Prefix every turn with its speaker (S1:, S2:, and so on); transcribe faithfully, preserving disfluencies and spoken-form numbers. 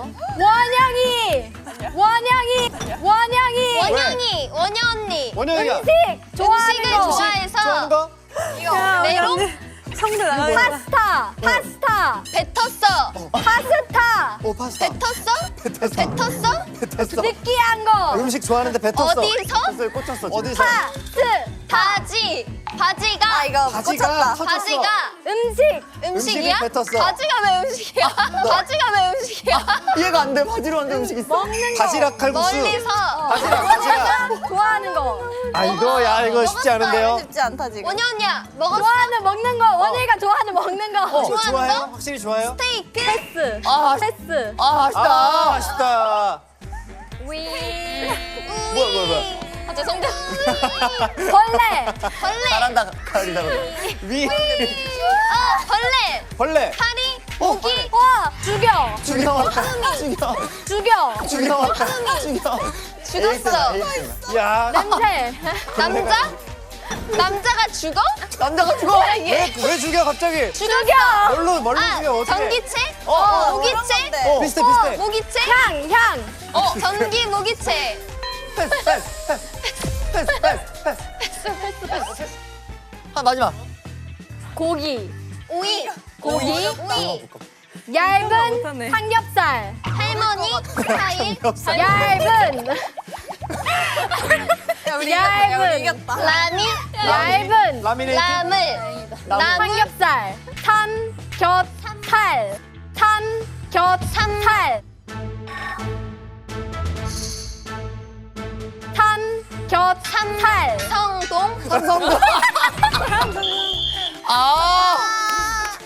S1: 원영이. 원영이. 원영이.
S2: 원영이, 원영 언니.
S3: 원영이야.
S1: 음식 좋아하는
S2: 음식을
S1: 거.
S2: 좋아해서
S3: 좋아하는 거?
S2: 메롱
S4: 성대 나가요.
S1: 파스타. 파스타.
S2: 뱉었어.
S1: 파스타.
S3: 오 파스타.
S2: 뱉었어?
S3: 뱉었어.
S2: 뱉었어?
S3: 뱉었어.
S1: 느끼한 거.
S3: 음식 좋아하는데 뱉었어.
S2: 어디서?
S3: 뱉었어요, 꽂혔어. 지금.
S2: 아,
S3: 어디서?
S1: 파스.
S2: 바지. 바지가. 아 이거
S3: 바지가 터졌어.
S2: 바지가
S1: 음식.
S2: 음식이야?
S3: 음식을 뱉었어.
S2: 바지가 왜 음식이야? 바지가 왜 음식이야?
S3: 이해가 안 돼. 바지로 한데 음식 있어.
S1: 먹는 거.
S3: 바지락 칼국수.
S2: 멀리서
S3: 바지락 바지락.
S1: 원영이가 좋아하는 거.
S3: 아 이거 야 이거 쉽지 않은데요.
S4: 쉽지 않다 지금.
S2: 원영 언니야 먹었어?
S1: 좋아하는 먹는 거. 원영이가 좋아하는 먹는 거.
S3: 어,
S2: 좋아하는
S3: 좋아해요?
S2: 거?
S3: 확실히 좋아해요?
S2: 스테이크?
S1: 패스.
S3: 아,
S1: 패스.
S3: 아 아쉽다. 아, 아쉽다.
S1: 위.
S3: 뭐야 뭐야 뭐야.
S2: 아 죄송해요.
S1: 벌레.
S2: 벌레.
S3: 잘한다. 가을이다. 위.
S2: 아 벌레.
S3: 벌레.
S2: 파리.
S3: 어,
S2: 모기.
S1: 와. 죽여.
S3: 죽여. 죽여.
S1: 죽여.
S3: 죽여. 죽여.
S2: 죽었어.
S3: 야.
S1: 냄새.
S2: 남자? 남자가 죽어?
S3: 남자가 죽어. 왜, 왜 죽여 갑자기?
S1: 죽여.
S3: 뭘로 뭘로
S2: 아
S3: 죽여 어떻게?
S2: 전기체?
S3: 어,
S2: 모기체?
S3: 어, 비슷해 비슷해.
S2: 모기체?
S1: 향. 향.
S2: 어 전기 모기체.
S3: 패스 패스 패스 패스 패스 패스. 한 마지막.
S1: 고기.
S2: 오이.
S1: 고기.
S2: 오이.
S1: 얇은
S4: 못하네.
S1: 삼겹살.
S2: 할머니 스타일.
S3: 삼겹살.
S1: 얇은.
S4: 야, 우리
S1: 얇은.
S4: 이겼다.
S2: 라미.
S1: 얇은.
S3: 라미네이트.
S2: 라물. 나물.
S1: 삼겹살. 삼겹살. 삼겹살. 삼겹살.
S2: 성동.
S3: 성공. 아.